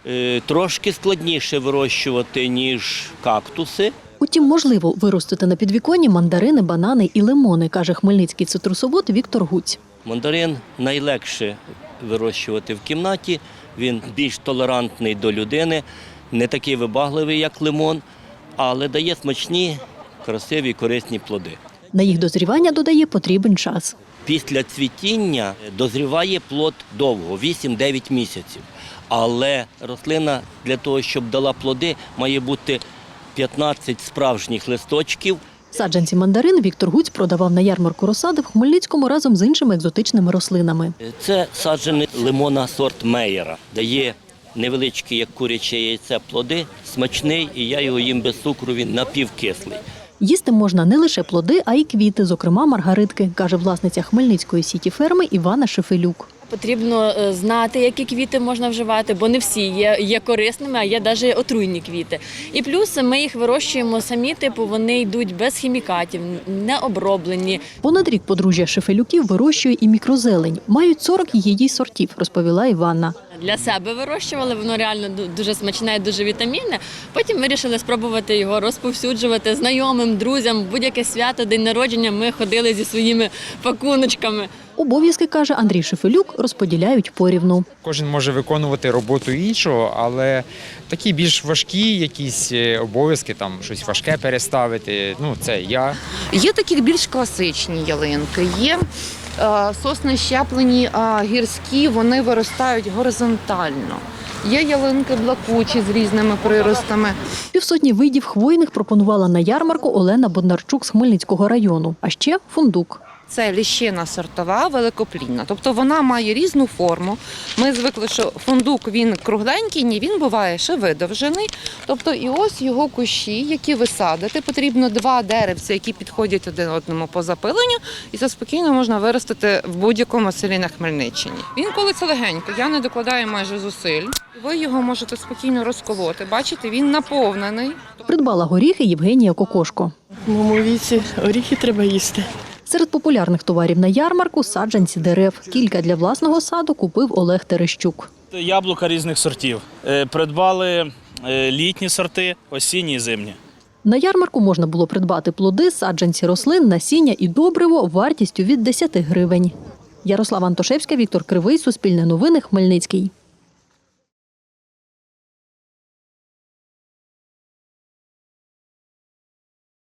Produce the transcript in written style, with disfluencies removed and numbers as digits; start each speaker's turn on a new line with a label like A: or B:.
A: Трошки складніше вирощувати, ніж кактуси.
B: Утім, можливо виростити на підвіконні мандарини, банани і лимони, каже хмельницький цитрусовод Віктор Гуць.
A: Мандарин найлегше вирощувати в кімнаті, він більш толерантний до людини, не такий вибагливий, як лимон, але дає смачні, красиві, корисні плоди.
B: На їх дозрівання, додає, потрібен час.
A: Після цвітіння дозріває плод довго, 8-9 місяців. Але рослина для того, щоб дала плоди, має бути 15 справжніх листочків.
B: Саджанці мандарин Віктор Гуць продавав на ярмарку розсади в Хмельницькому разом з іншими екзотичними рослинами.
A: Це саджаний лимона сорт Мейєра. Дає невеличкі, як куряче яйце, плоди, смачний, і я його їм без цукру, він напівкислий.
B: Їсти можна не лише плоди, а й квіти, зокрема маргаритки, каже власниця хмельницької сіті ферми Івана Шефелюк.
C: Потрібно знати, які квіти можна вживати, бо не всі є корисними, а є навіть отруйні квіти. І плюс ми їх вирощуємо самі, вони йдуть без хімікатів, не оброблені.
B: Понад рік подружжя Шефелюків вирощує і мікрозелень. Мають 40 її сортів, розповіла Іванна.
C: Для себе вирощували, воно реально дуже смачне, дуже вітамінне. Потім вирішили спробувати його розповсюджувати знайомим, друзям. Будь-яке свято, день народження ми ходили зі своїми пакуночками.
B: Обов'язки, каже Андрій Шефелюк, розподіляють порівну.
D: Кожен може виконувати роботу іншого, але такі більш важкі якісь обов'язки, там щось важке переставити, це я.
E: Є такі більш класичні ялинки, є сосни щеплені гірські, вони виростають горизонтально. Є ялинки блакучі з різними приростами.
B: Півсотні видів хвойних пропонувала на ярмарку Олена Боднарчук з Хмельницького району. А ще фундук.
E: Це ліщина сортова, великоплідна. Тобто вона має різну форму. Ми звикли, що фундук він кругленький, ні, він буває ще видовжений. Тобто і ось його кущі, які ви садите. Потрібно 2 деревця, які підходять один одному по запиленню. І це спокійно можна виростити в будь-якому селі на Хмельниччині. Він колиться легенько, я не докладаю майже зусиль. Ви його можете спокійно розколоти. Бачите, він наповнений.
B: Придбала горіхи Євгенія Кокошко.
F: В моєму віці горіхи треба їсти.
B: Серед популярних товарів на ярмарку – саджанці дерев. Кілька для власного саду купив Олег Терещук.
G: Яблука різних сортів. Придбали літні сорти, осінні і зимні.
B: На ярмарку можна було придбати плоди, саджанці рослин, насіння і добриво вартістю від 10 гривень. Ярослава Антошевська, Віктор Кривий, Суспільне новини, Хмельницький.